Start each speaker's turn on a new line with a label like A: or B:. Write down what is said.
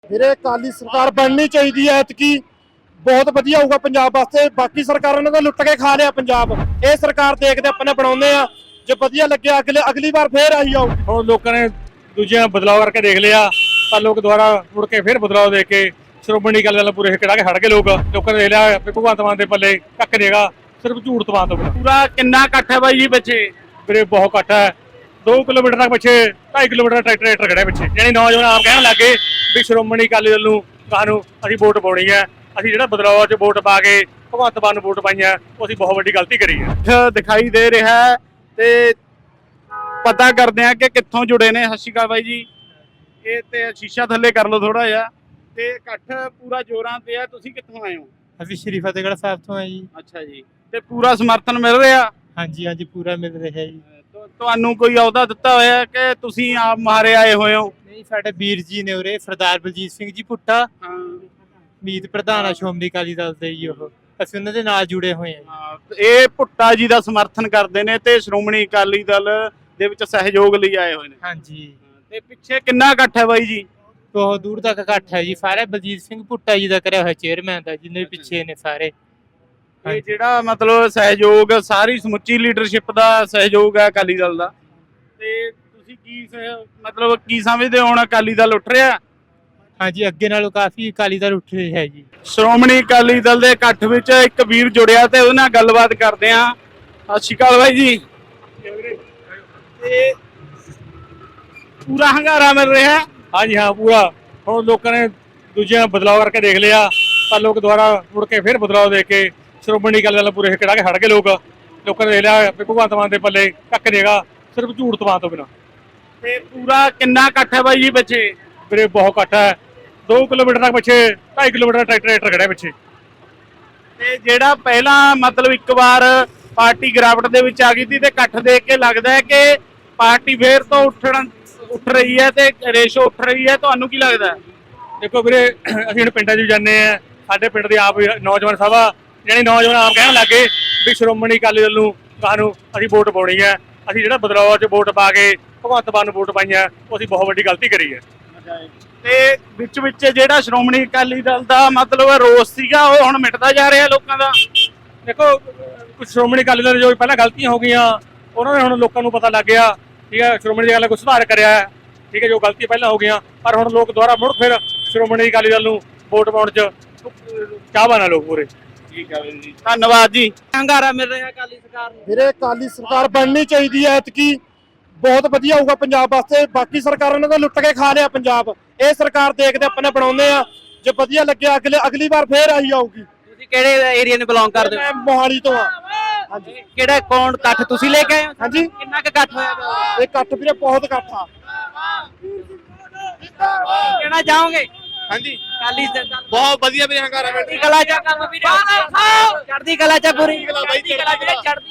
A: ਵੀਰੇ ਅਕਾਲੀ ਸਰਕਾਰ ਬਣਨੀ ਚਾਹੀਦੀ ਹੈ ਐਤਕੀ ਬਹੁਤ ਵਧੀਆ ਹੋਊਗਾ ਪੰਜਾਬ ਵਾਸਤੇ। ਬਾਕੀ ਸਰਕਾਰਾਂ ਨੇ ਤਾਂ ਲੁੱਟ ਕੇ ਖਾ ਲਿਆ ਪੰਜਾਬ। ਇਹ ਸਰਕਾਰ ਦੇਖਦੇ ਆਪਣੇ ਬਣਾਉਂਦੇ ਆ, ਜੇ ਵਧੀਆ ਲੱਗਿਆ ਅਗਲੀ ਵਾਰ ਫੇਰ ਆਈ ਆਊ।
B: ਹੁਣ ਲੋਕਾਂ ਨੇ ਦੂਜਿਆਂ ਬਦਲਾਅ ਕਰਕੇ ਦੇਖ ਲਿਆ, ਪਰ ਲੋਕ ਦੁਬਾਰਾ ਮੁੜ ਕੇ ਫੇਰ ਬਦਲਾਅ ਦੇ ਕੇ ਸ਼੍ਰੋਮਣੀ ਅਕਾਲੀ ਦਲ ਪੂਰੇ ਹਿੱਕੜਾ ਕੇ ਹਟ ਗਏ। ਲੋਕਾਂ ਨੇ ਦੇਖ ਲਿਆ ਵੀ ਭਗਵੰਤ ਮਾਨ ਦੇ ਪੱਲੇ ਕੱਖ ਨੇਗਾ, ਸਿਰਫ ਝੂਠ ਤਵਾਨ ਤੋਂ ਬਿਨਾਂ।
C: ਪੂਰਾ ਕਿੰਨਾ ਇਕੱਠ ਹੈ ਬਾਈ ਜੀ ਪਿੱਛੇ?
B: ਵੀਰੇ ਬਹੁਤ ਘੱਟ ਹੈ, 2 ਕਿਲੋਮੀਟਰ ਤੱਕ ਪਿੱਛੇ 2.5 ਕਿਲੋਮੀਟਰ ਟਰੈਕਟਰ ਖੜਿਆ ਪਿੱਛੇ। ਯਾਨੀ ਨੌਜਵਾਨ ਆਪ ਕਹਿਣ ਲੱਗੇ ਵੀ ਸ਼੍ਰੋਮਣੀ ਅਕਾਲੀ ਦਲ ਨੂੰ ਸਾਨੂੰ ਅਸੀਂ ਵੋਟ ਪਾਉਣੀ ਹੈ, ਅਸੀਂ ਜਿਹੜਾ ਬਦਲਾਅ 'ਚ ਵੋਟ ਪਾ ਕੇ ਭਗਵੰਤ ਮਾਨ ਨੂੰ ਵੋਟ ਪਾਈਆਂ, ਉਹ ਅਸੀਂ ਬਹੁਤ ਵੱਡੀ ਗਲਤੀ ਕਰੀ ਹੈ।
C: ਦਿਖਾਈ ਦੇ ਰਿਹਾ ਹੈ ਤੇ ਪਤਾ ਕਰਦੇ ਆ ਕਿ ਕਿੱਥੋਂ ਜੁੜੇ ਨੇ। ਸਤਿ ਸ਼੍ਰੀ ਅਕਾਲ ਬਾਈ ਜੀ। ਇਹ ਤੇ ਸ਼ੀਸ਼ਾ ਥੱਲੇ ਕਰ ਲਓ ਥੋੜਾ ਜਿਹਾ। ਤੇ ਇਕੱਠ ਪੂਰਾ ਜੋਰਾਂ ਤੇ ਆ, ਤੁਸੀਂ ਕਿੱਥੋਂ ਆਏ ਹੋ?
D: ਅਸੀਂ ਸ਼੍ਰੀ ਫਤਿਹਗੜ੍ਹ ਸਾਹਿਬ ਤੋਂ ਆ ਜੀ।
C: ਅੱਛਾ ਜੀ, ਤੇ ਪੂਰਾ ਸਮਰਥਨ ਮਿਲ ਰਿਹਾ?
D: ਹਾਂਜੀ ਹਾਂਜੀ, ਪੂਰਾ ਮਿਲ ਰਿਹਾ ਜੀ।
C: ਤੁਹਾਨੂੰ ਕੋਈ ਅਹੁਦਾ ਦਿੱਤਾ ਹੋਇਆ ਕਿ ਤੁਸੀਂ ਆਪ ਮਾਰੇ ਆਏ ਹੋਏ ਹੋ?
D: ਨਹੀਂ, ਸਾਡੇ ਵੀਰ ਜੀ ਨੇ ਉਰੇ, ਸਰਦਾਰ ਬਲਜੀਤ ਸਿੰਘ ਜੀ ਭੁੱਟਾ,
C: ਹਾਂ,
D: ਮੀਤ ਪ੍ਰਧਾਨ ਆ ਸ਼੍ਰੋਮਣੀ ਅਕਾਲੀ ਦਲ ਦੇ ਜੀ। ਉਹ ਅਸੀਂ ਉਹਨਾਂ ਦੇ ਨਾਲ ਜੁੜੇ ਹੋਏ ਆ।
C: ਇਹ ਭੁੱਟਾ ਜੀ ਦਾ ਸਮਰਥਨ ਕਰਦੇ ਨੇ ਤੇ ਸ਼੍ਰੋਮਣੀ ਅਕਾਲੀ ਦਲ ਦੇ ਵਿੱਚ ਸਹਿਯੋਗ ਲਈ ਆਏ ਹੋਏ ਨੇ।
D: ਹਾਂਜੀ,
C: ਤੇ ਪਿੱਛੇ ਕਿੰਨਾ ਇਕੱਠ ਹੈ ਬਾਈ ਜੀ?
D: ਬਹੁਤ ਦੂਰ ਤੱਕ ਇਕੱਠ ਹੈ ਜੀ। ਸਾਰੇ ਬਲਜੀਤ ਸਿੰਘ ਭੁੱਟਾ ਜੀ ਦਾ ਕਰਿਆ ਹੋਇਆ ਚੇਅਰਮੈਨ ਦਾ, ਜਿੰਨੇ ਪਿੱਛੇ ਨੇ ਸਾਰੇ।
C: ਇਹ ਜਿਹੜਾ ਮਤਲਬ ਸਹਿਯੋਗ, ਸਾਰੀ ਸਮੁੱਚੀ ਲੀਡਰਸ਼ਿਪ ਦਾ ਸਹਿਯੋਗ ਹੈ ਅਕਾਲੀ ਦਲ ਦਾ। ਤੇ ਤੁਸੀਂ ਮਤਲਬ ਕੀ ਸਮਝਦੇ ਹੋ, ਹੁਣ ਅਕਾਲੀ ਦਲ ਉੱਠ ਰਿਹਾ?
D: ਹਾਂਜੀ, ਅੱਗੇ ਨਾਲੋਂ ਕਾਫੀ ਅਕਾਲੀ ਦਲ ਉੱਠ ਰਿਹਾ ਹੈ ਜੀ।
C: ਸ਼੍ਰੋਮਣੀ ਅਕਾਲੀ ਦਲ ਦੇ ਇਕੱਠ ਵਿੱਚ ਇੱਕ ਵੀਰ ਜੁੜਿਆ ਤੇ ਉਹਦੇ ਨਾਲ ਗੱਲਬਾਤ ਕਰਦੇ ਆ। ਸਤਿ ਸ਼੍ਰੀ ਅਕਾਲ ਬਾਈ ਜੀ। ਤੇ ਪੂਰਾ ਹੰਗਾਰਾ ਮਿਲ ਰਿਹਾ?
B: ਹਾਂਜੀ ਹਾਂ, ਪੂਰਾ। ਹੁਣ ਲੋਕਾਂ ਨੇ ਦੂਜਿਆਂ ਬਦਲਾਅ ਕਰਕੇ ਦੇਖ ਲਿਆ, ਪਰ ਲੋਕ ਦੁਬਾਰਾ ਮੁੜ ਕੇ ਫੇਰ ਬਦਲਾਅ ਦੇ ਕੇ ਸ਼੍ਰੋਮਣੀ ਅਕਾਲੀ ਦਲ ਪੂਰੇ ਹਿੱਕੜਾ ਕੇ ਹਟ ਗਏ। ਲੋਕਾਂ ਨੇ ਦੇਖ ਲਿਆ ਵੀ ਭਗਵੰਤ ਮਾਨ ਦੇ ਪੱਲੇ ਕੱਖ ਨੇਗਾ, ਸਿਰਫ ਝੂਠ ਤਵਾਨ ਤੋਂ ਬਿਨਾਂ।
C: ਤੇ ਪੂਰਾ ਕਿੰਨਾ ਇਕੱਠ ਹੈ ਬਾਈ ਜੀ ਪਿੱਛੇ?
B: ਵੀਰੇ ਬਹੁਤ ਘੱਟ ਹੈ, 2 ਕਿਲੋਮੀਟਰ ਤੱਕ ਪਿੱਛੇ 2.5 ਕਿਲੋਮੀਟਰ ਟਰੈਕਟਰ ਖੜਿਆ ਪਿੱਛੇ।
C: ਤੇ ਜਿਹੜਾ ਪਹਿਲਾਂ ਮਤਲਬ ਇੱਕ ਵਾਰ ਪਾਰਟੀ ਗਿਰਾਵਟ ਦੇ ਵਿੱਚ ਆ ਗਈ ਸੀ ਤੇ ਇਕੱਠ ਦੇਖ ਕੇ ਲੱਗਦਾ ਹੈ ਕਿ ਪਾਰਟੀ ਫੇਰ ਤੋਂ ਉੱਠ ਰਹੀ ਹੈ ਤੇ ਰੇਸ਼ੋ ਉੱਠ ਰਹੀ ਹੈ। ਤੁਹਾਨੂੰ ਕੀ ਲੱਗਦਾ?
B: ਦੇਖੋ ਵੀਰੇ, ਅਸੀਂ ਹੁਣ ਪਿੰਡਾਂ 'ਚ ਵੀ ਜਾਂਦੇ ਆ, ਸਾਡੇ ਪਿੰਡ ਦੇ ਆਪ ਨੌਜਵਾਨ ਸਭਾ, ਯਾਨੀ ਨੌਜਵਾਨ ਆਪ ਕਹਿਣ ਲੱਗੇ ਵੀ ਸ਼੍ਰੋਮਣੀ ਅਕਾਲੀ ਦਲ ਨੂੰ ਸਾਨੂੰ ਅਸੀਂ ਵੋਟ ਪਾਉਣੀ ਹੈ, ਅਸੀਂ ਜਿਹੜਾ ਬਦਲਾਅ 'ਚ ਵੋਟ ਪਾ ਕੇ ਭਗਵੰਤ ਮਾਨ ਨੂੰ ਵੋਟ ਪਾਈਆਂ, ਉਹ ਅਸੀਂ ਬਹੁਤ ਵੱਡੀ ਗਲਤੀ ਕਰੀ ਹੈ।
C: ਤੇ ਵਿੱਚ ਜਿਹੜਾ ਸ਼੍ਰੋਮਣੀ ਅਕਾਲੀ ਦਲ ਦਾ ਮਤਲਬ ਰੋਸ ਸੀਗਾ, ਉਹ ਹੁਣ ਮਿਟਦਾ ਜਾ ਰਿਹਾ ਲੋਕਾਂ ਦਾ।
B: ਦੇਖੋ, ਕੁਝ ਸ਼੍ਰੋਮਣੀ ਅਕਾਲੀ ਦਲ ਜੋ ਪਹਿਲਾਂ ਗਲਤੀਆਂ ਹੋ ਗਈਆਂ, ਉਹਨਾਂ ਨੇ ਹੁਣ ਲੋਕਾਂ ਨੂੰ ਪਤਾ ਲੱਗ ਗਿਆ, ਠੀਕ ਹੈ, ਸ਼੍ਰੋਮਣੀ ਅਕਾਲੀ ਦਲ ਕੋਈ ਸੁਧਾਰ ਕਰਿਆ ਹੈ, ਠੀਕ ਹੈ, ਜੋ ਗਲਤੀ ਪਹਿਲਾਂ ਹੋ ਗਈਆਂ, ਪਰ ਹੁਣ ਲੋਕ ਦੁਬਾਰਾ ਮੁੜ ਫਿਰ ਸ਼੍ਰੋਮਣੀ ਅਕਾਲੀ ਦਲ ਨੂੰ ਵੋਟ ਪਾਉਣ 'ਚ ਚਾਹਵਾਨ ਆ ਲੋਕ ਪੂਰੇ।
C: ਠੀਕ ਹੈ ਜੀ, ਧੰਨਵਾਦ ਜੀ। ਹੰਗਾਰਾ ਮਿਲ ਰਿਹਾ ਅਕਾਲੀ ਸਰਕਾਰ ਨੂੰ?
A: ਵੀਰੇ ਅਕਾਲੀ ਸਰਕਾਰ ਬਣਨੀ ਚਾਹੀਦੀ ਹੈ ਐਤਕੀ ਬਹੁਤ ਵਧੀਆ ਹੋਊਗਾ ਪੰਜਾਬ ਵਾਸਤੇ। ਬਾਕੀ ਸਰਕਾਰਾਂ ਨੇ ਤਾਂ ਲੁੱਟ ਕੇ ਖਾ ਲਿਆ ਪੰਜਾਬ। ਇਹ ਸਰਕਾਰ ਦੇਖਦੇ ਆਪਣੇ ਬਣਾਉਂਦੇ ਆ, ਜੇ ਵਧੀਆ ਲੱਗਿਆ ਅਗਲੀ ਵਾਰ ਫੇਰ ਆਈ ਆਊਗੀ।
E: ਤੁਸੀਂ ਕਿਹੜੇ ਏਰੀਆ ਨੂੰ ਬਿਲੋਂਗ ਕਰਦੇ ਹੋ?
A: ਮੈਂ ਮੋਹਾਲੀ ਤੋਂ ਆ। ਹਾਂਜੀ,
E: ਕਿਹੜਾ ਕੌਣ ਇਕੱਠ ਤੁਸੀਂ ਲੈ ਕੇ ਆਏ ਹੋ?
A: ਹਾਂਜੀ,
E: ਕਿੰਨਾ ਕੁ ਇਕੱਠ ਹੋਇਆ?
A: ਇਹ ਇਕੱਠ ਵੀਰੇ ਬਹੁਤ ਇਕੱਠ ਆ।
E: ਕਹਿਣਾ ਚਾਹੋਗੇ?
C: ਹਾਂਜੀ,
E: ਅਕਾਲੀ ਦਲ
C: ਬਹੁਤ ਵਧੀਆ ਵੀਰੇ ਹੰਗਾਰਾ ਮਿਲ
E: ਚੜ੍ਹਦੀ ਕਲਾ ਚ ਕੰਮ ਵੀਰੇ, ਚੜ੍ਹਦੀ ਕਲਾ ਚ ਪੂਰੀ ਚੜ੍ਹਦੀ ਕਲਾ ਵੀਰੇ, ਚੜ੍ਹਦੀ